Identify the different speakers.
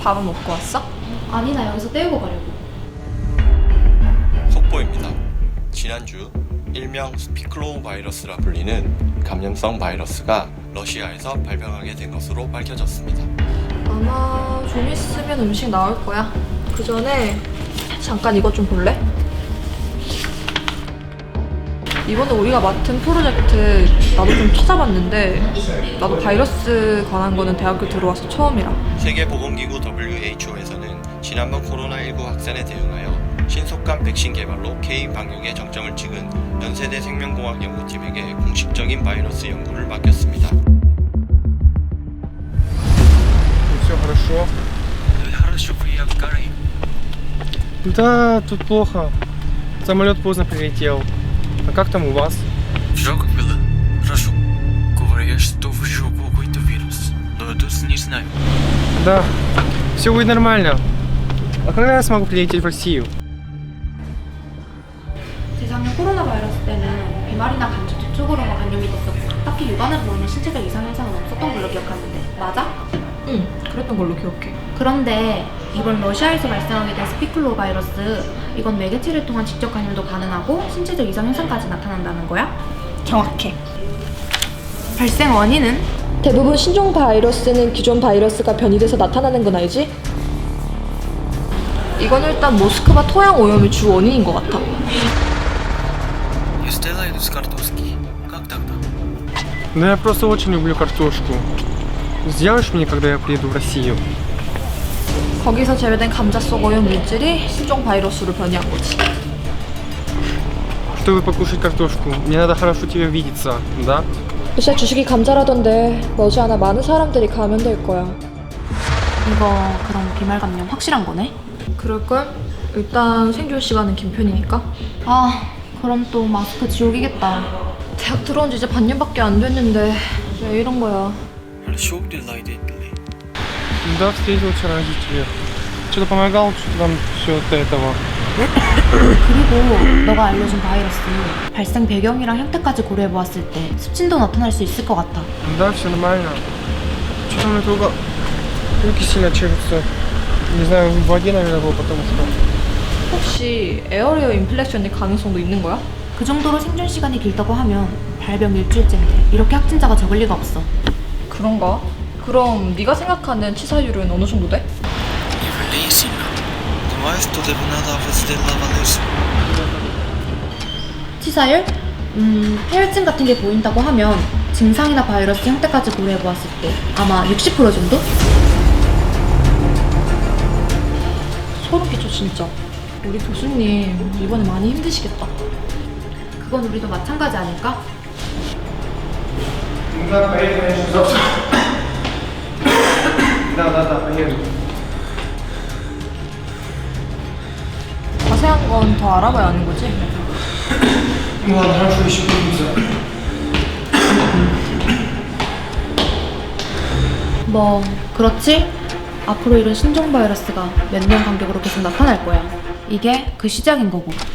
Speaker 1: 밥은 먹고 왔어?
Speaker 2: 아니, 나 여기서 때우고 가려고.
Speaker 3: 속보입니다. 지난주 일명 스피클로우 바이러스라 불리는 감염성 바이러스가 러시아에서 발병하게 된 것으로 밝혀졌습니다.
Speaker 1: 아마 좀 있으면 음식 나올 거야. 그 전에 잠깐 이것 좀 볼래? 이번에 우리가 맡은 프로젝트 나도 좀 찾아봤는데 나도 바이러스 관한 거는 대학교 들어와서 처음이라.
Speaker 3: 세계보건기구 WHO에서는 지난번 코로나19 확산에 대응하여 신속한 백신 개발로 개인 방역에 정점을 찍은 연세대 생명공학 연구팀에게 공식적인 바이러스 연구를 맡겼습니다.
Speaker 4: Все хорошо.
Speaker 5: Хорошо, приехал.
Speaker 4: Да, тут плохо. Самолет поздно прилетел. А как там у вас?
Speaker 5: Жалко было. Хорошо. Говорят, что в жопу какой-то вирус. Но я точно не знаю.
Speaker 4: Да, все будет нормально. А когда я смогу прилететь в Россию?
Speaker 2: 재작년 코로나 바이러스 때는 비말이나 간접 접촉으로만 감염이 됐었고 딱히 육안으로 보이는 신체적 이상 현상은 없었던 걸로 기억하는데 맞아?
Speaker 1: 응, 그랬던 걸로 기억해.
Speaker 2: 그런데 이번 러시아에서 발생하게 된 스피클로우 바이러스 이건 매개체를 통한 직접 감염도 가능하고 신체적 이상 현상까지 나타난다는 거야?
Speaker 1: 정확해.
Speaker 2: 발생 원인은?
Speaker 1: 대부분 신종 바이러스는 기존 바이러스가 변이돼서 나타나는 건 알지? 이건 일단 모스크바 토양 오염이 주 원인인 것 같아.
Speaker 5: Я сделаю с картошки. Как тогда?
Speaker 4: Да я просто очень люблю картошку. Сделаешь мне, когда я приеду в Россию?
Speaker 1: 거기서 제외된 감자 속 오염 물질이 신종 바이러스로 변이한 거지.
Speaker 4: Чтобы покушать картошку, мне надо хорошо тебе видеться, да?
Speaker 1: 요새 주식이 감자라던데 머지않아 많은 사람들이 감염될 거야.
Speaker 2: 이거 그럼 비말 감염 확실한 거네?
Speaker 1: 그럴걸? 일단 생존 시간은 긴 편이니까.
Speaker 2: 아 그럼 또 마스크 지옥이겠다.
Speaker 1: 대학 들어온 지 이제 반년밖에 안 됐는데 왜 이런 거야?
Speaker 5: Хорошо дела родители.
Speaker 4: Да, встретил вчера родителей. Что-то помогал что-то там все от этого.
Speaker 2: 그리고 너가 알려준 바이러스 발생 배경이랑 형태까지 고려해보았을 때 습진도 나타날 수 있을 것 같아.
Speaker 4: Да, все нормально. Что-то мне только руки сильно чешутся. Не знаю, в воде, наверное, было, потому что...
Speaker 1: 혹시 에어리어 인플렉션일 가능성도 있는 거야?
Speaker 2: 그 정도로 생존 시간이 길다고 하면 발병 일주일째인데 이렇게 확진자가 적을 리가 없어.
Speaker 1: 그런가? 그럼 네가 생각하는 치사율은 어느 정도 돼?
Speaker 5: Не влей сильно. Думаю, что тебе надо сделать.
Speaker 2: 치사율? 폐혈증 같은 게 보인다고 하면 증상이나 바이러스 형태까지 고려해보았을 때 아마 60% 정도?
Speaker 1: 소름 끼쳐 진짜. 우리 교수님 이번에 많이 힘드시겠다.
Speaker 2: 그건 우리도 마찬가지 아닐까?
Speaker 4: Да, поеду, конечно, завтра. Да, поеду.
Speaker 1: 자세한 건 더 알아봐야 하는 거지?
Speaker 4: Ну ладно, хорошо, еще увидимся.
Speaker 2: 뭐 그렇지? 앞으로 이런 신종 바이러스가 몇 년 간격으로 계속 나타날 거야. 이게 그 시작인 거고.